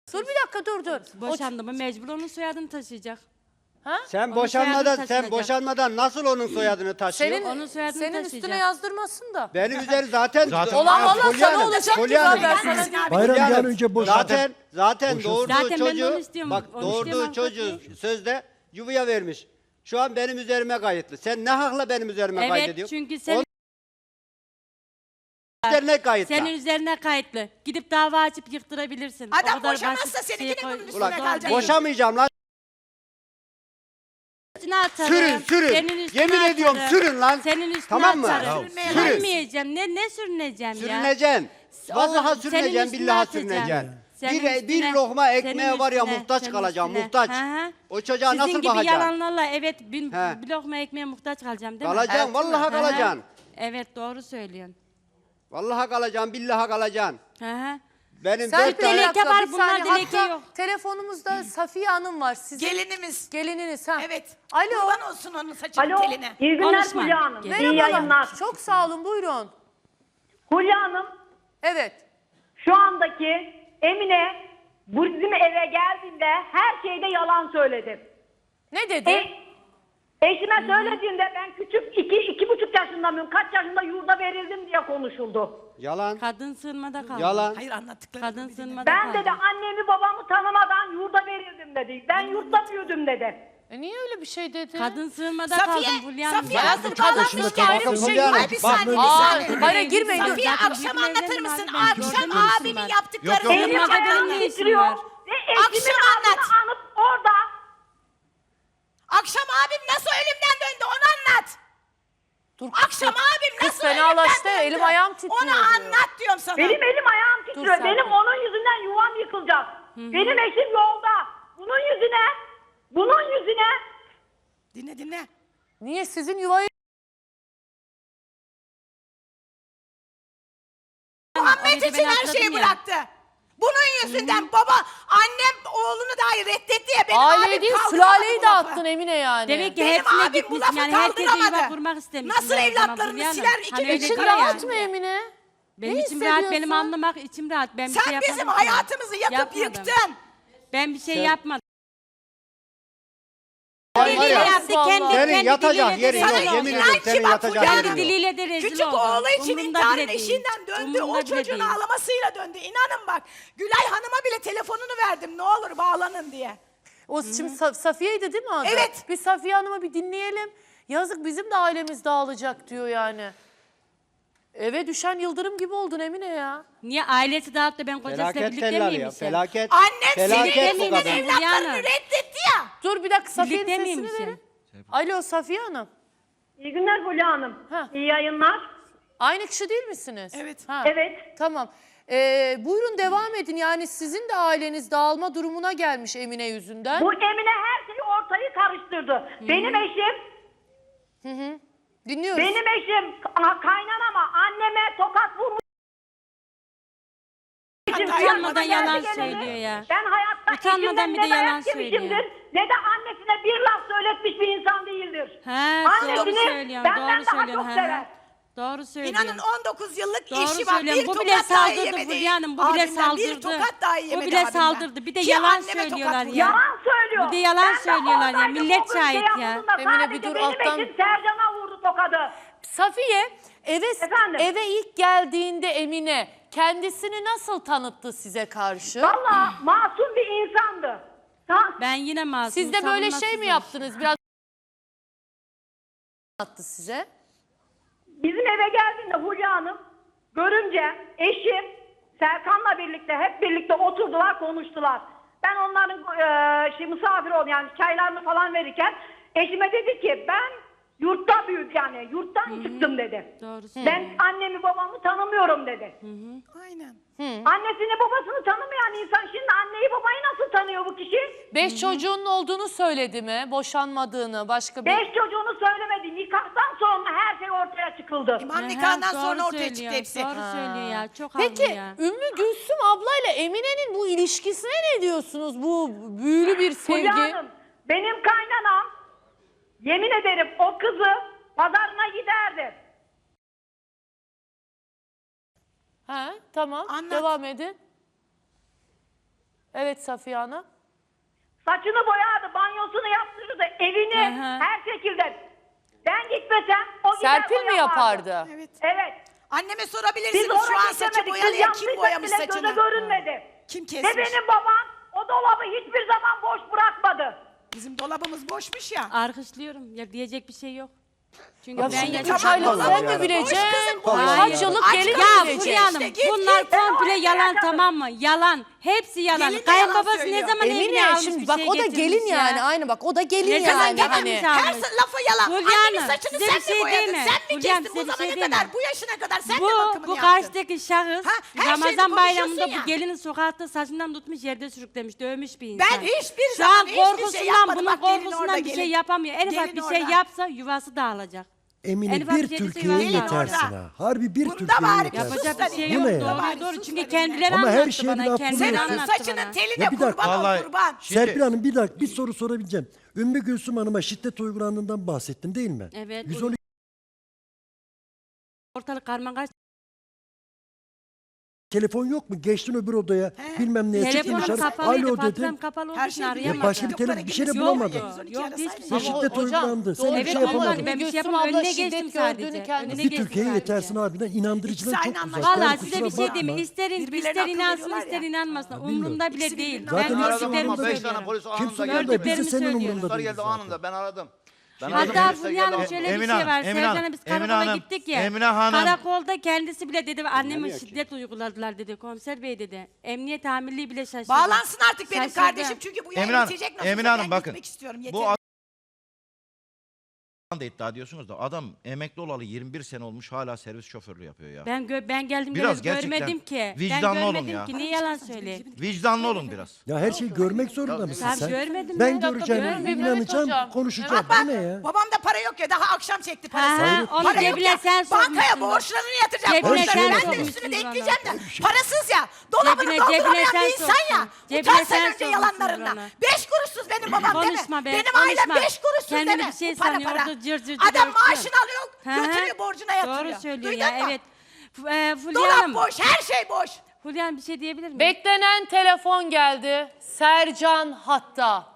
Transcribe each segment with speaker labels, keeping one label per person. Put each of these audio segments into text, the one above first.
Speaker 1: Dur bir dakika dur.
Speaker 2: Boşandı mı mecbur onun soyadını taşıyacak.
Speaker 1: Ha?
Speaker 3: Sen
Speaker 2: Onun soyadını
Speaker 3: sen
Speaker 2: taşıyacak.
Speaker 3: boşanmadan nasıl onun soyadını taşıyor?
Speaker 2: Onun soyadını
Speaker 1: senin
Speaker 2: taşıyacak.
Speaker 1: üstüne yazdırmasın da.
Speaker 3: Benim üzeri zaten
Speaker 1: Olan
Speaker 3: Aa,
Speaker 1: valla
Speaker 3: Fulya
Speaker 1: sana
Speaker 3: Hanım,
Speaker 1: olacak ki
Speaker 3: Fulya Hanım.
Speaker 1: ben sana diyeyim.
Speaker 4: Bayram
Speaker 3: Fulya
Speaker 4: bir an
Speaker 3: Hanım,
Speaker 4: önce boşadı.
Speaker 3: Zaten doğurduğu
Speaker 2: Zaten ben de onu
Speaker 3: çocuğu,
Speaker 2: istiyorum,
Speaker 3: bak
Speaker 2: onu
Speaker 3: doğurduğu
Speaker 2: istiyorum
Speaker 3: çocuğu
Speaker 2: hakikaten.
Speaker 3: sözde yuvaya vermiş. Şu an benim üzerime kayıtlı. Sen ne hakla benim üzerime
Speaker 2: Evet
Speaker 3: kaydediyorsun?
Speaker 2: çünkü sen
Speaker 3: Onun üzerine kayıtlı.
Speaker 2: senin üzerine kayıtlı. Gidip dava açıp yıktırabilirsin. O
Speaker 5: Adam
Speaker 2: kadar
Speaker 5: boşamazsa
Speaker 2: basit
Speaker 5: seninkinin
Speaker 2: şey koy-
Speaker 5: bunun üstüne
Speaker 3: Ulan
Speaker 5: kalacak.
Speaker 3: boşamayacağım lan.
Speaker 2: Üstüne atarım.
Speaker 3: Sürün.
Speaker 2: Senin üstüne
Speaker 3: Yemin ediyorum
Speaker 2: atarım.
Speaker 3: sürün lan.
Speaker 2: Senin üstüne
Speaker 3: Tamam mı?
Speaker 2: atarım.
Speaker 3: Sürün.
Speaker 2: Sürünmeyeceğim. Ne sürüneceğim ya?
Speaker 3: Sürüneceksin. Vallahi
Speaker 2: Oğlum, senin
Speaker 3: sürüneceksin,
Speaker 2: üstüne
Speaker 3: billahi
Speaker 2: atacağım.
Speaker 3: sürüneceksin.
Speaker 2: Senin
Speaker 3: Bir
Speaker 2: üstüne,
Speaker 3: lokma
Speaker 2: senin
Speaker 3: ekmeğe var ya
Speaker 2: üstüne,
Speaker 3: muhtaç
Speaker 2: senin
Speaker 3: kalacağım,
Speaker 2: üstüne.
Speaker 3: muhtaç.
Speaker 2: Hı hı.
Speaker 3: O çocuğa
Speaker 2: Sizin
Speaker 3: nasıl
Speaker 2: gibi
Speaker 3: bakacaksın?
Speaker 2: yalanlarla evet bir
Speaker 3: He.
Speaker 2: lokma ekmeğe muhtaç kalacağım değil mi?
Speaker 3: Kalacaksın, vallahi
Speaker 2: Hı hı.
Speaker 3: kalacaksın.
Speaker 2: Evet doğru söylüyorsun.
Speaker 3: Vallahi kalacaksın, billahi kalacaksın.
Speaker 2: Hı hı.
Speaker 3: Benim
Speaker 1: Sen
Speaker 3: dört
Speaker 1: bir
Speaker 3: tane...
Speaker 2: Dilekçe
Speaker 1: dakika,
Speaker 2: var,
Speaker 1: bir
Speaker 2: bunlar
Speaker 1: saniye.
Speaker 2: dilekçe
Speaker 1: Hatta
Speaker 2: yok.
Speaker 1: telefonumuzda Safiye Hanım var. Sizin
Speaker 5: Gelinimiz.
Speaker 1: gelininiz ha.
Speaker 5: Evet.
Speaker 1: Alo.
Speaker 5: Kurban olsun onun saçının
Speaker 6: Alo,
Speaker 5: teline.
Speaker 6: iyi günler
Speaker 2: Konuşma.
Speaker 6: Fulya Hanım.
Speaker 2: Merhabalar.
Speaker 6: İyi yayınlar.
Speaker 1: Çok sağ olun buyurun.
Speaker 6: Fulya Hanım,
Speaker 1: Evet.
Speaker 6: şu andaki Emine bu bizim eve geldiğinde her şeyde yalan söyledi.
Speaker 1: Ne dedi?
Speaker 6: Eşime söylediğinde ben küçük 2,5 yaşında mıyım, kaç yaşında yurda verildim diye konuşuldu.
Speaker 3: Yalan,
Speaker 2: Kadın sığınmada kaldı.
Speaker 3: yalan.
Speaker 5: Hayır anlattıkları.
Speaker 2: Kadın sığınmada
Speaker 6: Ben
Speaker 2: kaldı.
Speaker 6: dedi annemi babamı tanımadan yurda verildim dedi. Ben yurtta büyüdüm dedi.
Speaker 1: Niye öyle bir şey dedi?
Speaker 2: Kadın sığınmada
Speaker 5: Safiye,
Speaker 2: kaldım Fulya Hanım.
Speaker 5: Safiye
Speaker 1: Hayatım,
Speaker 5: hazır
Speaker 1: kadın
Speaker 5: bağlanmış
Speaker 1: şimdi
Speaker 5: ki.
Speaker 1: ayrı bir şey yok.
Speaker 5: Ay bir saniye, bir
Speaker 1: Aa,
Speaker 5: saniye.
Speaker 1: hayır girmeyin. dur.
Speaker 5: Safiye
Speaker 2: Zaten
Speaker 5: akşam
Speaker 2: büyük
Speaker 5: anlatır
Speaker 2: evlerim
Speaker 5: mısın?
Speaker 2: var, ben
Speaker 5: Akşam
Speaker 2: gördüm mü
Speaker 5: abimin
Speaker 2: var?
Speaker 5: yaptıklarını.
Speaker 6: Benim
Speaker 2: Sığınmada benim
Speaker 6: ayağım
Speaker 2: ne işim
Speaker 6: titriyor
Speaker 2: var?
Speaker 6: ve eşimin
Speaker 5: Akşam
Speaker 6: adını
Speaker 5: anlat.
Speaker 6: anıp orada.
Speaker 5: Akşam abim nasıl ölümden döndü onu anlat.
Speaker 1: Dur,
Speaker 5: Akşam abim
Speaker 1: kız
Speaker 5: nasıl
Speaker 1: fenalaştı,
Speaker 5: ölümden döndü?
Speaker 1: elim ayağım titriyor
Speaker 5: Onu
Speaker 1: diyor.
Speaker 5: anlat diyorum sana.
Speaker 6: Benim elim ayağım titriyor.
Speaker 1: sen
Speaker 6: Benim
Speaker 1: dur.
Speaker 6: onun yüzünden yuvam yıkılacak. Benim eşim yolda. Bunun yüzüne
Speaker 5: Dinle.
Speaker 1: Niye sizin yuvayı...
Speaker 5: Muhammed
Speaker 2: Orada
Speaker 5: için
Speaker 2: ben
Speaker 5: her
Speaker 2: atladım
Speaker 5: şeyi
Speaker 2: ya.
Speaker 5: bıraktı. Bunun yüzünden baba, annem oğlunu dahi reddetti ya. Benim
Speaker 1: Aileyi
Speaker 5: abim
Speaker 1: değil
Speaker 5: kaldıramadı
Speaker 1: sülaleyi
Speaker 5: bu
Speaker 1: de
Speaker 5: lafı.
Speaker 1: attın Emine yani.
Speaker 2: Demek ki
Speaker 5: Benim
Speaker 2: hepsine
Speaker 5: abim bu
Speaker 2: gitmişsin
Speaker 5: lafı
Speaker 2: yani herkese
Speaker 5: kaldıramadı.
Speaker 2: yuva kurmak istemişsin.
Speaker 5: Nasıl
Speaker 2: o zaman
Speaker 5: evlatlarını
Speaker 2: Fulya Hanım.
Speaker 5: siler, iki
Speaker 2: Hani
Speaker 5: gün
Speaker 2: öyle
Speaker 1: İçin
Speaker 2: diyor
Speaker 1: rahat
Speaker 2: ya.
Speaker 1: mı Emine?
Speaker 2: Benim
Speaker 1: Ne
Speaker 2: içim rahat, benim
Speaker 1: hissediyorsun?
Speaker 2: anlamak içim rahat. Ben bir şey
Speaker 5: Sen
Speaker 2: yapmadım.
Speaker 5: bizim
Speaker 2: ki.
Speaker 5: hayatımızı yakıp
Speaker 2: Yapmadım.
Speaker 5: yıktın.
Speaker 2: Ben bir şey yapmadım.
Speaker 3: Var
Speaker 2: Diliyle
Speaker 3: ya,
Speaker 2: yaptı, kendi
Speaker 3: senin yatacak
Speaker 2: diliyle de
Speaker 3: yerin yok.
Speaker 2: rezil
Speaker 5: Sana
Speaker 2: oldu.
Speaker 3: Yemin
Speaker 5: inan
Speaker 3: ederim
Speaker 5: ki
Speaker 3: senin
Speaker 5: bak
Speaker 3: yatacak
Speaker 5: Fulya
Speaker 3: yerin
Speaker 2: Kendi
Speaker 3: yok.
Speaker 2: diliyle de rezil
Speaker 5: Küçük
Speaker 2: oldu.
Speaker 5: oğlu için
Speaker 2: Umurumda
Speaker 5: intiharın
Speaker 2: bile değil.
Speaker 5: eşiğinden döndü.
Speaker 2: Umurumda
Speaker 5: O
Speaker 2: bile
Speaker 5: çocuğun
Speaker 2: değil.
Speaker 5: ağlamasıyla döndü. İnanın bak. Gülay Hanım'a bile telefonunu verdim. Ne olur bağlanın diye.
Speaker 1: O şimdi Safiye'ydi değil mi adı?
Speaker 5: Evet.
Speaker 1: Bir Safiye Hanım'ı bir dinleyelim. Yazık bizim de ailemiz dağılacak diyor yani. Eve düşen yıldırım gibi oldun Emine ya.
Speaker 2: Niye ailesi dağıttı da ben kocasıyla
Speaker 3: Felaket
Speaker 2: birlikte
Speaker 3: teller ya,
Speaker 2: miymişim?
Speaker 3: felaket.
Speaker 5: Annem senin
Speaker 3: Felaket bu
Speaker 5: evliliğin
Speaker 3: kadın.
Speaker 5: evlatlarını
Speaker 2: Fulya
Speaker 5: reddetti ya.
Speaker 1: Dur bir dakika Safiye'nin
Speaker 2: Birlikte
Speaker 1: sesini
Speaker 2: miymişim?
Speaker 1: verin. Alo Safiye Hanım.
Speaker 6: iyi günler Fulya Hanım.
Speaker 1: Ha.
Speaker 6: İyi yayınlar.
Speaker 1: Aynı kişi değil misiniz?
Speaker 5: Evet.
Speaker 1: Ha.
Speaker 6: Evet.
Speaker 1: Tamam. Buyurun devam edin. Yani sizin de aileniz dağılma durumuna gelmiş Emine yüzünden.
Speaker 6: Bu Emine her şeyi ortayı karıştırdı. Benim eşim
Speaker 1: Dinliyoruz.
Speaker 6: Benim eşim kaynanama, anneme tokat vurmuş. Eşim
Speaker 2: Utanmadan
Speaker 6: piyasada
Speaker 2: yalan
Speaker 6: geldi geleli.
Speaker 2: söylüyor ya.
Speaker 6: Ben hayatta
Speaker 2: Utanmadan
Speaker 6: eşimden
Speaker 2: bir de
Speaker 6: ne dayak
Speaker 2: yalan
Speaker 6: yemişimdir,
Speaker 2: söylüyor.
Speaker 6: ne de annesine bir laf söyletmiş bir insan değildir.
Speaker 2: He, doğru
Speaker 6: Annesini
Speaker 2: söylüyorsun,
Speaker 6: benden
Speaker 2: doğru
Speaker 6: daha
Speaker 2: söylüyorsun.
Speaker 6: çok
Speaker 2: he.
Speaker 6: sever.
Speaker 2: Doğru söylüyorsun.
Speaker 5: İnanın 19 yıllık
Speaker 2: Doğru
Speaker 5: eşi var. Bir
Speaker 2: söylüyorsun. Bu bile
Speaker 5: tokat dahi
Speaker 2: saldırdı
Speaker 5: yemedi.
Speaker 2: Fulya Hanım. Bu bile
Speaker 5: Abimden
Speaker 2: saldırdı.
Speaker 5: Bir tokat dahi
Speaker 2: Bu
Speaker 5: yemedi
Speaker 2: bile
Speaker 5: abimden.
Speaker 2: saldırdı. Bir de
Speaker 5: Ki
Speaker 2: yalan
Speaker 5: anneme tokat
Speaker 2: söylüyorlar
Speaker 5: vurdu.
Speaker 2: ya.
Speaker 6: Yalan söylüyor.
Speaker 2: Bir de yalan
Speaker 6: Ben de
Speaker 2: söylüyorlar ya.
Speaker 6: oradaydım,
Speaker 2: Millet
Speaker 6: o gün
Speaker 2: şahit ya.
Speaker 6: yaptığında
Speaker 1: Emine, bir
Speaker 6: sadece
Speaker 1: dur,
Speaker 6: benim
Speaker 1: alttan-
Speaker 6: eşim Sercan'a vurdu tokadı.
Speaker 1: Safiye
Speaker 6: Efendim?
Speaker 1: eve ilk geldiğinde Emine kendisini nasıl tanıttı size karşı?
Speaker 6: Valla masum bir insandı.
Speaker 2: Ben yine masum.
Speaker 1: Siz de böyle şey mi
Speaker 2: savunmasızım.
Speaker 1: yaptınız? Biraz anlattı size.
Speaker 6: Bizim eve geldiğinde Hulya Hanım görünce eşim Serkan'la birlikte hep birlikte oturdular konuştular. Ben onların misafir oldum yani çaylarını falan verirken eşime dedi ki ben yurtta büyüdüm yani yurttan çıktım dedi.
Speaker 2: Doğru
Speaker 6: Ben annemi babamı tanımıyorum dedi.
Speaker 5: Aynen.
Speaker 6: Annesini babasını tanımayan insan şimdi anneyi babayı nasıl tanıyor bu kişi?
Speaker 1: 5 çocuğunun olduğunu söyledi mi? Boşanmadığını, başka bir...
Speaker 6: 5 çocuğunu söylemedi. Nikahtan sonra her şey ortaya çıkıldı.
Speaker 5: İmam
Speaker 2: He,
Speaker 5: nikahından
Speaker 2: doğru
Speaker 5: sonra ortaya
Speaker 2: söylüyor,
Speaker 5: çıktı hepsi.
Speaker 2: Doğru söylüyor ya. Çok haklı
Speaker 1: Peki
Speaker 2: ya.
Speaker 1: Ümmü Gülsüm ablayla Emine'nin bu ilişkisine ne diyorsunuz? Bu büyülü bir sevgi.
Speaker 6: Fulya Hanım, benim kaynanam yemin ederim o kızı pazarına giderdi.
Speaker 1: Ha, tamam
Speaker 5: Anlat.
Speaker 1: devam edin. Evet Safiye Hanım.
Speaker 6: Saçını boyardı, banyosunu yaptırırdı, evini her şekilde. Ben gitmesem o gider
Speaker 1: Serpil mi
Speaker 6: o
Speaker 1: yapardı?
Speaker 5: Evet.
Speaker 6: Evet.
Speaker 5: Anneme
Speaker 6: Biz
Speaker 5: sorabilirsiniz
Speaker 6: ona
Speaker 5: şu an saçı
Speaker 6: geçemedik.
Speaker 5: boyalı
Speaker 6: Biz
Speaker 5: ya, kim
Speaker 6: yaptıysak
Speaker 5: boyamış
Speaker 6: bile göze
Speaker 5: saçını?
Speaker 6: görünmedi.
Speaker 5: Kim
Speaker 6: Ve
Speaker 5: kesmiş?
Speaker 6: benim babam o dolabı hiçbir zaman boş bırakmadı.
Speaker 5: Bizim dolabımız boşmuş ya.
Speaker 2: Alkışlıyorum. Ya diyecek bir şey yok. Çünkü
Speaker 1: Ya
Speaker 2: ben
Speaker 1: şimdi
Speaker 2: yaşadım.
Speaker 1: 3 aylık
Speaker 5: Tamam,
Speaker 1: sen mi
Speaker 5: boş
Speaker 1: bileceksin?
Speaker 5: kızım, boş.
Speaker 1: Kaç
Speaker 2: Hayır.
Speaker 1: yıllık
Speaker 5: Aç
Speaker 1: gelin
Speaker 5: kalın
Speaker 1: mi
Speaker 2: Ya
Speaker 1: bilecek?
Speaker 2: Fulya Hanım
Speaker 5: İşte git,
Speaker 2: bunlar
Speaker 5: git.
Speaker 2: komple
Speaker 6: Ben
Speaker 2: yalan
Speaker 6: oraya
Speaker 2: tamam mı? Yalan. Hepsi yalan.
Speaker 5: Gelin de yalan
Speaker 2: Kayınbabası ne
Speaker 5: söylüyor.
Speaker 2: zaman evine
Speaker 1: Emine
Speaker 2: almış
Speaker 1: şimdi
Speaker 2: bir
Speaker 1: bak
Speaker 2: şey
Speaker 1: o da
Speaker 2: getirmiş
Speaker 1: gelin
Speaker 2: ya.
Speaker 1: yani aynı bak o da gelin
Speaker 2: Ne zaman
Speaker 1: yani.
Speaker 2: getirmiş
Speaker 1: Hani.
Speaker 2: abi?
Speaker 5: Her lafı yalan.
Speaker 2: Fulya
Speaker 5: Annemin
Speaker 2: Hanım,
Speaker 5: saçını
Speaker 2: size
Speaker 5: sen
Speaker 2: bir şey
Speaker 5: mi boyadın?
Speaker 2: diyeyim mi?
Speaker 5: Sen mi
Speaker 2: Fulya Hanım,
Speaker 5: kestin
Speaker 2: size
Speaker 5: bu
Speaker 2: bir şey
Speaker 5: zamana
Speaker 2: diyeyim
Speaker 5: kadar?
Speaker 2: mi?
Speaker 5: Bu yaşına kadar sen de bakımını
Speaker 2: Bu
Speaker 5: yaptın.
Speaker 2: karşıdaki şahıs
Speaker 5: Ha, her şeyini
Speaker 2: Ramazan bayramında
Speaker 5: konuşuyorsun ya.
Speaker 2: bu gelinin sokakta saçından tutmuş yerde sürüklemiş, dövmüş bir insan.
Speaker 5: Ben hiçbir
Speaker 2: Şu an
Speaker 5: zaman hiçbir şey
Speaker 2: korkusundan,
Speaker 5: yapmadım.
Speaker 2: bunun
Speaker 5: Bak gelin orada,
Speaker 2: korkusundan bir şey
Speaker 5: gelin.
Speaker 2: yapamıyor. En ufak
Speaker 5: Gelin
Speaker 2: bir şey
Speaker 5: orada.
Speaker 2: yapsa yuvası dağılacak.
Speaker 4: Emine
Speaker 2: En ufak
Speaker 4: bir
Speaker 2: bir şeyse
Speaker 4: Türkiye'ye
Speaker 2: yuvası
Speaker 4: yetersin
Speaker 5: orada.
Speaker 4: ha. Harbi bir
Speaker 5: Bunda
Speaker 4: Türkiye'ye
Speaker 5: bari
Speaker 4: yetersin.
Speaker 5: sus
Speaker 2: Yapacak bir şey
Speaker 5: da
Speaker 2: yok.
Speaker 4: Bu ne ya?
Speaker 2: Doğru doğru.
Speaker 5: Sus
Speaker 2: Çünkü
Speaker 5: da
Speaker 2: kendileri
Speaker 4: Ama her
Speaker 2: anlattı
Speaker 4: şeye bir
Speaker 2: bana.
Speaker 4: laf
Speaker 2: Kendileri
Speaker 4: buluyorsun.
Speaker 5: Senin
Speaker 2: anlattı
Speaker 5: saçının
Speaker 2: bana.
Speaker 5: teline
Speaker 4: Ya bir dakika.
Speaker 5: kurban ol
Speaker 7: Vallahi-
Speaker 5: kurban.
Speaker 4: Serpil Hanım bir dakika bir soru sorabileceğim. Ümmü Gülsüm Hanım'a şiddet uygulandığından bahsettin değil mi?
Speaker 2: Evet.
Speaker 4: 112
Speaker 2: Ortalık karman karışık.
Speaker 4: telefon yok mu? Geçtin öbür odaya bilmem neye çıktın
Speaker 2: Telefonum
Speaker 4: dışarı.
Speaker 2: kapalıydı.
Speaker 4: Alo dedin.
Speaker 2: Faturam kapalı olduğu
Speaker 5: Her
Speaker 2: için
Speaker 5: şey
Speaker 2: arayamadım.
Speaker 4: Ya başka bir telefon bir şey de
Speaker 5: Yok,
Speaker 4: bulamadın.
Speaker 2: Yok hiçbir
Speaker 4: Sen
Speaker 2: şey.
Speaker 1: Ama
Speaker 4: şiddet
Speaker 1: hocam,
Speaker 4: uygulandı. Sen
Speaker 1: doğru
Speaker 4: bir şey
Speaker 2: Evet,
Speaker 4: yapamadın.
Speaker 2: ama ben bir şey
Speaker 1: Gülsüm
Speaker 2: yapamam.
Speaker 1: abla
Speaker 2: Önüne
Speaker 1: şiddet
Speaker 2: geçtim
Speaker 1: gördüğünü
Speaker 2: sadece.
Speaker 1: kendisi-
Speaker 2: Önüne
Speaker 4: Bir
Speaker 2: geçtim
Speaker 4: Türkiye'ye
Speaker 2: sadece.
Speaker 4: yetersin harbiden. İnandırıcılığın
Speaker 5: İkisi
Speaker 4: çok
Speaker 5: aynı
Speaker 4: uzak.
Speaker 5: anlaşılıyor.
Speaker 2: Valla
Speaker 4: Yani
Speaker 2: size
Speaker 4: kusura
Speaker 2: bir şey
Speaker 4: bakma.
Speaker 2: diyeyim.
Speaker 5: Birbirlerine
Speaker 2: İster
Speaker 5: akıl
Speaker 2: inansın
Speaker 5: veriyorlar
Speaker 2: ister
Speaker 5: ya.
Speaker 2: inanmasın.
Speaker 4: bilmiyorum.
Speaker 2: Umurumda bile
Speaker 5: İkisi
Speaker 2: değil.
Speaker 5: birbirine
Speaker 4: Zaten
Speaker 2: Ben
Speaker 4: hiç
Speaker 2: gördüklerimi
Speaker 4: umurumda değil.
Speaker 7: 5 tane
Speaker 2: söylüyorum.
Speaker 7: polis
Speaker 4: Kim
Speaker 7: anında
Speaker 4: soruyor
Speaker 7: geldi.
Speaker 4: da bizi senin
Speaker 2: söylüyorum.
Speaker 4: umurunda
Speaker 7: Polisler
Speaker 4: değil
Speaker 7: geldi
Speaker 4: zaten.
Speaker 7: anında ben aradım. Ben
Speaker 2: Hatta
Speaker 7: aradım,
Speaker 2: Fulya Hanım
Speaker 7: polisler
Speaker 2: şöyle
Speaker 7: geldi.
Speaker 2: bir şey var. Sevcan'a biz karakola gittik ya.
Speaker 7: Emine Hanım.
Speaker 2: Karakolda kendisi bile dedi anneme şiddet uyguladılar dedi. Komiser bey dedi. Emniyet amirliği bile şaşırdı.
Speaker 5: Bağlansın artık benim
Speaker 2: Şaşırdı.
Speaker 5: kardeşim çünkü bu yayın
Speaker 7: Emine Hanım,
Speaker 5: bitecek nasılsa.
Speaker 7: Emine Hanım
Speaker 5: Ben
Speaker 7: bakın.
Speaker 5: gitmek istiyorum.
Speaker 7: Bu
Speaker 5: Yeter.
Speaker 7: da iddia ediyorsunuz da adam emekli olalı 21 sene olmuş hala servis şoförlüğü yapıyor ya.
Speaker 2: Ben geldim
Speaker 7: Biraz
Speaker 2: görmedim
Speaker 7: gerçekten
Speaker 2: ki.
Speaker 7: vicdanlı
Speaker 2: ben
Speaker 7: olun
Speaker 2: görmedim
Speaker 7: ya.
Speaker 2: ki. Niye yalan söyleyeyim?
Speaker 7: Vicdanlı olun biraz.
Speaker 4: Ya her şeyi görmek zorunda mısın
Speaker 2: Tabii
Speaker 4: sen?
Speaker 2: görmedim
Speaker 4: Ben
Speaker 2: ben.
Speaker 4: göreceğim,
Speaker 1: görmedim,
Speaker 4: inanacağım,
Speaker 1: evet hocam.
Speaker 4: konuşacağım.
Speaker 5: Bak
Speaker 4: Bu ne ya?
Speaker 5: babamda para yok ya daha akşam çekti parasını.
Speaker 2: Ha, onu
Speaker 5: Para yok
Speaker 2: cebine
Speaker 5: ya.
Speaker 2: sen
Speaker 5: Bankaya
Speaker 2: sokmuşsun.
Speaker 5: borçlarını yatıracak.
Speaker 2: Cebine
Speaker 5: Borçlarını
Speaker 4: sen
Speaker 5: ben de
Speaker 4: sokmuşsun
Speaker 5: üstünü de
Speaker 2: bana.
Speaker 5: ekleyeceğim de. Parasız ya. Dolabını
Speaker 2: Cebine
Speaker 5: dolduramayan
Speaker 2: sen
Speaker 5: bir insan ya.
Speaker 2: soksun. Cebine
Speaker 5: Utan
Speaker 2: sen
Speaker 5: sen önce
Speaker 2: sokmuşsun
Speaker 5: yalanlarından.
Speaker 2: bana.
Speaker 5: 5 kuruşsuz benim babam değil mi?
Speaker 2: Konuşma be,
Speaker 5: Benim
Speaker 2: konuşma.
Speaker 5: ailem 5 kuruşsuz
Speaker 2: Kendini
Speaker 5: değil mi?
Speaker 2: bir şey
Speaker 5: Bu para
Speaker 2: sanıyor,
Speaker 5: para.
Speaker 2: orada cır cır cır
Speaker 5: Adam
Speaker 2: örtüyor.
Speaker 5: maaşını alıyor götürüyor borcuna yatırıyor.
Speaker 2: Doğru söylüyor
Speaker 5: Duydun
Speaker 2: ya
Speaker 5: mu?
Speaker 2: evet. Fulya
Speaker 5: Dolap
Speaker 2: Hanım.
Speaker 5: boş her şey boş.
Speaker 2: Fulya Hanım bir şey diyebilir miyim?
Speaker 1: Beklenen telefon geldi. Sercan hatta.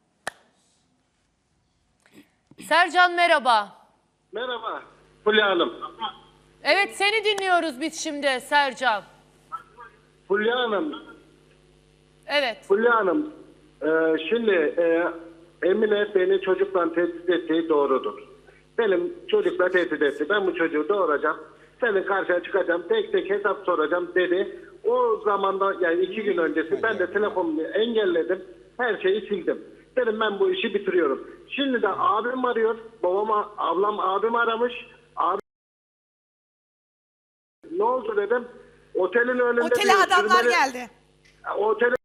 Speaker 1: Sercan merhaba.
Speaker 8: Merhaba Fulya Hanım.
Speaker 1: Evet seni dinliyoruz biz şimdi Sercan.
Speaker 8: Fulya Hanım,
Speaker 1: Evet.
Speaker 8: Fulya Hanım. Şimdi Emine beni çocukla tehdit ettiği doğrudur. Benim çocukla tehdit etti. Ben bu çocuğu doğuracağım. Senin karşına çıkacağım. Tek tek hesap soracağım dedi. O zamanda yani 2 gün öncesi ben de telefonumu engelledim. Her şeyi sildim. Dedim ben bu işi bitiriyorum. Şimdi de abim arıyor. Ablam abim aramış. Abi ne oldu dedim. Otelin önünde
Speaker 5: Otele
Speaker 8: diyor,
Speaker 5: adamlar
Speaker 8: sürmeli-
Speaker 5: geldi.
Speaker 8: Otele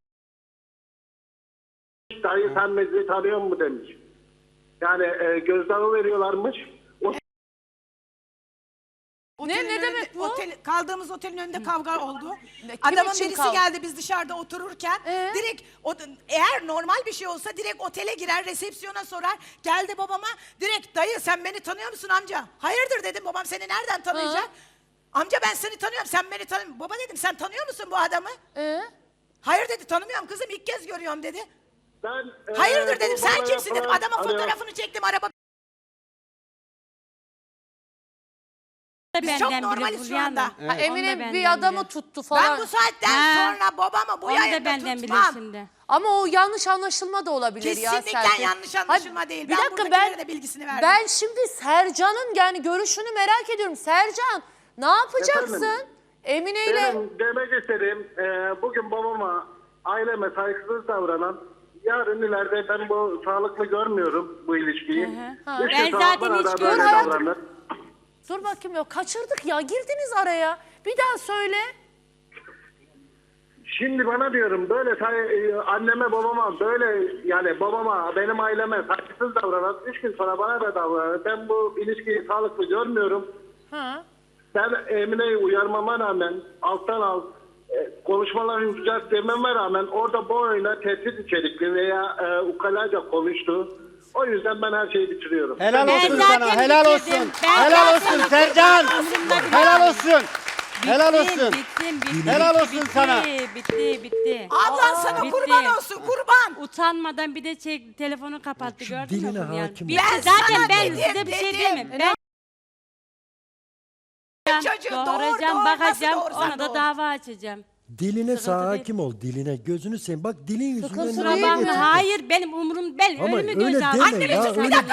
Speaker 8: dayı sen bizi tanıyor mu demiş. Yani gözdağı veriyorlarmış.
Speaker 1: Ne demek bu?
Speaker 5: Kaldığımız otelin önünde kavga oldu.
Speaker 1: Kim
Speaker 5: Adamın
Speaker 1: için
Speaker 5: birisi
Speaker 1: kavga?
Speaker 5: geldi biz dışarıda otururken. Direkt eğer normal bir şey olsa direkt otele girer resepsiyona sorar. Geldi babama direkt dayı sen beni tanıyor musun amca? Hayırdır dedim babam seni nereden tanıyacak? Amca ben seni tanıyorum sen beni tanımıyorsun. Baba dedim sen tanıyor musun bu adamı? Hayır dedi tanımıyorum kızım ilk kez görüyorum dedi.
Speaker 8: Ben,
Speaker 5: Hayırdır
Speaker 8: bu
Speaker 5: dedim sen
Speaker 8: bana
Speaker 5: kimsin dedim
Speaker 8: yapılan-
Speaker 5: adamın
Speaker 8: Alo.
Speaker 5: fotoğrafını çektim araba. Biz
Speaker 2: Benden
Speaker 5: çok
Speaker 2: bilir
Speaker 5: normaliz şu
Speaker 2: Fulya
Speaker 5: anda.
Speaker 2: Hanım.
Speaker 1: Ha,
Speaker 2: Onu da
Speaker 1: Emine
Speaker 2: benden
Speaker 1: bir adamı
Speaker 2: bilir.
Speaker 1: tuttu falan.
Speaker 5: Ben bu saatten
Speaker 2: Ha.
Speaker 5: sonra babamı bu
Speaker 2: Onu da
Speaker 5: yayında
Speaker 2: benden bilir
Speaker 5: tutmam.
Speaker 2: şimdi.
Speaker 1: Ama o yanlış anlaşılma da olabilir ya
Speaker 5: Kesinlikle
Speaker 1: Serpil.
Speaker 5: yanlış anlaşılma değil.
Speaker 1: Bir
Speaker 5: Ben
Speaker 1: dakika
Speaker 5: buradakilere de bilgisini verdim.
Speaker 1: Ben şimdi Sercan'ın yani görüşünü merak ediyorum. Sercan ne yapacaksın?
Speaker 8: Efendim?
Speaker 1: Emine ile
Speaker 8: Benim demek istediğim bugün babama aileme saygısız davranan yarın ileride ben bu sağlıklı görmüyorum bu ilişkiyi.
Speaker 2: hı.
Speaker 8: Üç
Speaker 2: Ben
Speaker 8: gün
Speaker 2: zaten
Speaker 8: sonra
Speaker 2: hiç
Speaker 8: da böyle
Speaker 1: görmedim. hayatım.
Speaker 8: davranır.
Speaker 1: dur bakayım ya kaçırdık ya girdiniz araya. Bir daha söyle.
Speaker 8: Şimdi bana diyorum böyle anneme babama böyle yani babama benim aileme saygısız davranan 3 gün sonra bana da davranır. Ben bu ilişkiyi sağlıklı görmüyorum.
Speaker 1: Ha.
Speaker 8: Ben Emine'yi uyarmama rağmen alttan alt konuşmalar yapacak dememe rağmen orada bu oyuna tehdit içerikli veya ukalaca konuştu. O yüzden ben her şeyi bitiriyorum.
Speaker 3: Helal
Speaker 2: Ben
Speaker 3: olsun
Speaker 2: zaten
Speaker 3: sana. Helal
Speaker 2: bitirdim.
Speaker 3: olsun.
Speaker 2: Ben
Speaker 3: Helal
Speaker 2: zaten
Speaker 3: olsun Sercan.
Speaker 2: Umurumda bile
Speaker 3: Helal
Speaker 2: değil.
Speaker 3: olsun. Helal olsun.
Speaker 2: Bittim.
Speaker 3: Helal olsun sana.
Speaker 2: Bitti.
Speaker 5: Ablan sana
Speaker 2: bitti.
Speaker 5: kurban olsun kurban.
Speaker 2: Utanmadan bir de telefonu kapattı
Speaker 4: Şu
Speaker 2: gördün mü?
Speaker 4: diline
Speaker 2: bunu yani?
Speaker 4: hakim ol.
Speaker 2: Bitti.
Speaker 5: Ben
Speaker 2: Zaten
Speaker 5: sana
Speaker 2: ben
Speaker 5: dedim,
Speaker 2: size bir şey
Speaker 5: dedim.
Speaker 2: diyemem. Ben
Speaker 5: Çocuğu
Speaker 2: doğuracağım,
Speaker 5: doğur,
Speaker 2: bakacağım,
Speaker 5: nasıl doğursan
Speaker 2: ona da
Speaker 5: doğur.
Speaker 2: dava açacağım.
Speaker 4: Diline
Speaker 2: Sıkıntı değil.
Speaker 4: hakim ol. Diline gözünü seveyim. Bak dilin yüzünden
Speaker 1: Sıkıntı
Speaker 4: nereye
Speaker 1: değil
Speaker 2: Kusura bakma.
Speaker 1: mi?
Speaker 4: getirdin?
Speaker 2: Hayır benim umurum, ben
Speaker 4: Ama
Speaker 2: ölümü
Speaker 4: öyle
Speaker 2: göze aldım.
Speaker 4: deme
Speaker 5: Annemi
Speaker 4: ya.
Speaker 5: bir
Speaker 4: Öyle
Speaker 5: dakika.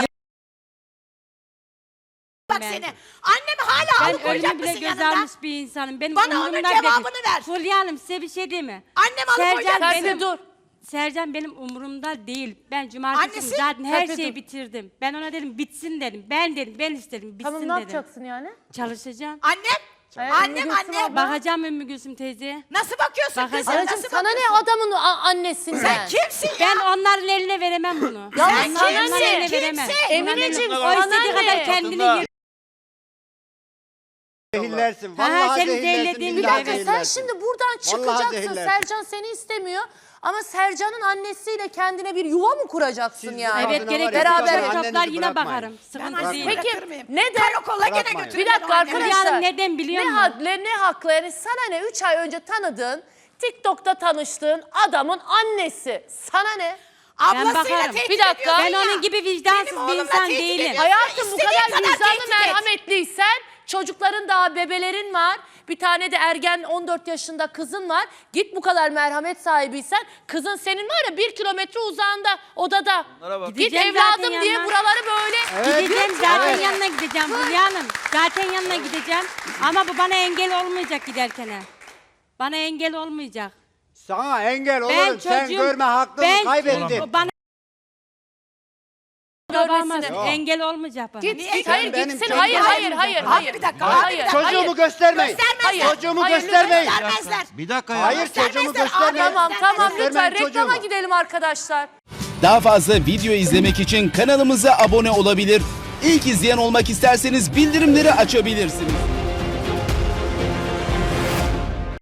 Speaker 5: Bak
Speaker 2: Ben-
Speaker 5: seni. Annemi hala
Speaker 2: Ben
Speaker 5: alıkoyacak
Speaker 2: ölümü bile
Speaker 5: mısın
Speaker 2: göze
Speaker 5: yanında?
Speaker 2: almış bir insanım. Benim
Speaker 5: Bana onun
Speaker 2: umurumda
Speaker 5: cevabını
Speaker 2: değil.
Speaker 5: ver.
Speaker 2: Fulya Hanım size bir şey diyeyim mi?
Speaker 5: Annem alıkoyacak
Speaker 2: Sercan
Speaker 5: mısın?
Speaker 2: benim,
Speaker 1: dur.
Speaker 2: Sercan benim umurumda değil. Ben cumartesi
Speaker 5: Annesi?
Speaker 2: zaten her
Speaker 1: Serpil
Speaker 2: şeyi
Speaker 1: dur.
Speaker 2: bitirdim. Ben ona dedim bitsin dedim. Ben istedim bitsin
Speaker 1: Tamam ne
Speaker 2: dedim.
Speaker 1: yapacaksın yani?
Speaker 2: Çalışacağım.
Speaker 5: Annem. Annem annem.
Speaker 2: Bakacağım Ümmü Gülsüm teyzeye.
Speaker 5: Nasıl bakıyorsun
Speaker 2: Bakacağım.
Speaker 5: kızım?
Speaker 1: Anacığım
Speaker 5: Nasıl
Speaker 1: sana ne
Speaker 5: bakıyorsun?
Speaker 1: adamın annesinden?
Speaker 5: Sen kimsin ya?
Speaker 2: Ben onların eline veremem bunu.
Speaker 1: Ya
Speaker 5: Sen
Speaker 1: sana
Speaker 5: kimsin?
Speaker 1: ne?
Speaker 2: eline veremem.
Speaker 5: Kimsin?
Speaker 1: Emineciğim
Speaker 2: O
Speaker 1: sana
Speaker 2: istediği kadar
Speaker 1: ne?
Speaker 2: kendini
Speaker 7: Kadınlar.
Speaker 2: yır-
Speaker 3: Zehirlersin.
Speaker 2: Ha,
Speaker 3: Vallahi
Speaker 2: seni
Speaker 3: zehirlersin.
Speaker 2: zehirlediğim
Speaker 1: Bir
Speaker 3: billahi
Speaker 1: dakika sen
Speaker 3: zehirlersin.
Speaker 1: şimdi buradan
Speaker 3: Vallahi
Speaker 1: çıkacaksın.
Speaker 3: zehirlersin.
Speaker 1: Sercan seni istemiyor. Ama Sercan'ın annesiyle kendine bir yuva mı kuracaksın
Speaker 3: Siz
Speaker 1: yani?
Speaker 3: bu
Speaker 2: Evet
Speaker 3: kadına var ya,
Speaker 2: gerekirse
Speaker 1: beraber
Speaker 2: beraber
Speaker 3: annenizi
Speaker 2: toplar yine
Speaker 3: bırakmayın.
Speaker 2: bakarım.
Speaker 5: Ben
Speaker 2: Sıkıntı
Speaker 5: annemi
Speaker 2: değil.
Speaker 1: Peki,
Speaker 5: bırakır mıyım?
Speaker 1: neden?
Speaker 5: Karakola gene
Speaker 3: Bırakmayın.
Speaker 5: götürürüm
Speaker 1: Bir dakika
Speaker 5: o annemi.
Speaker 1: arkadaşlar.
Speaker 2: Hanım neden biliyor
Speaker 1: ne,
Speaker 2: musun?
Speaker 1: ne haklı yani sana ne 3 ay önce tanıdığın TikTok'ta tanıştığın adamın annesi sana ne?
Speaker 5: Ablasıyla
Speaker 2: bakarım.
Speaker 5: tehdit
Speaker 1: Bir dakika.
Speaker 5: ediyorsun
Speaker 2: Ben
Speaker 5: ya.
Speaker 2: onun gibi vicdansız
Speaker 5: Benim
Speaker 2: bir
Speaker 5: oğlumla
Speaker 2: insan
Speaker 5: tehdit
Speaker 2: değilim.
Speaker 5: ediyorsun.
Speaker 1: Hayatım bu
Speaker 5: İstediğin
Speaker 1: kadar vicdanlı
Speaker 5: tehdit et.
Speaker 1: merhametliysen çocukların daha bebelerin var. Bir tane de ergen 14 yaşında kızın var. Git bu kadar merhamet sahibiysen kızın senin var ya 1 kilometre uzağında odada. Git
Speaker 2: Gideceğim zaten
Speaker 1: evladım diye
Speaker 2: yanına.
Speaker 1: buraları böyle.
Speaker 2: Gideceğim zaten yanına gideceğim Fulya Hanım. Zaten yanına gideceğim. Ama bu bana engel olmayacak giderken. Bana engel olmayacak.
Speaker 3: Sana engel
Speaker 2: Ben
Speaker 3: olurum. Sen
Speaker 2: çocuğum-
Speaker 3: görme hakkını kaybettin.
Speaker 2: Bana
Speaker 1: Görmesine.
Speaker 2: engel olmayacak bana.
Speaker 1: Git
Speaker 5: Niye?
Speaker 1: git hayır
Speaker 3: Benim
Speaker 1: gitsin
Speaker 3: çocuğum-
Speaker 1: hayır hayır
Speaker 5: Abi,
Speaker 1: hayır
Speaker 5: abi
Speaker 1: hayır.
Speaker 5: bir dakika,
Speaker 1: Hayır,
Speaker 5: abi bir dakika.
Speaker 1: hayır.
Speaker 3: Çocuğumu göstermeyin.
Speaker 5: Göstermezler.
Speaker 3: Çocuğumu
Speaker 1: Hayır,
Speaker 3: göstermeyin.
Speaker 5: Göstermezler.
Speaker 7: Bir dakika ya.
Speaker 3: Hayır çocuğumu
Speaker 5: Göstermezler.
Speaker 3: göstermeyin.
Speaker 1: Tamam tamam lütfen
Speaker 3: Göstermeyin
Speaker 1: reklama
Speaker 3: çocuğumu.
Speaker 1: gidelim arkadaşlar.
Speaker 9: Daha fazla video izlemek için kanalımıza abone olabilir. İlk izleyen olmak isterseniz bildirimleri açabilirsiniz.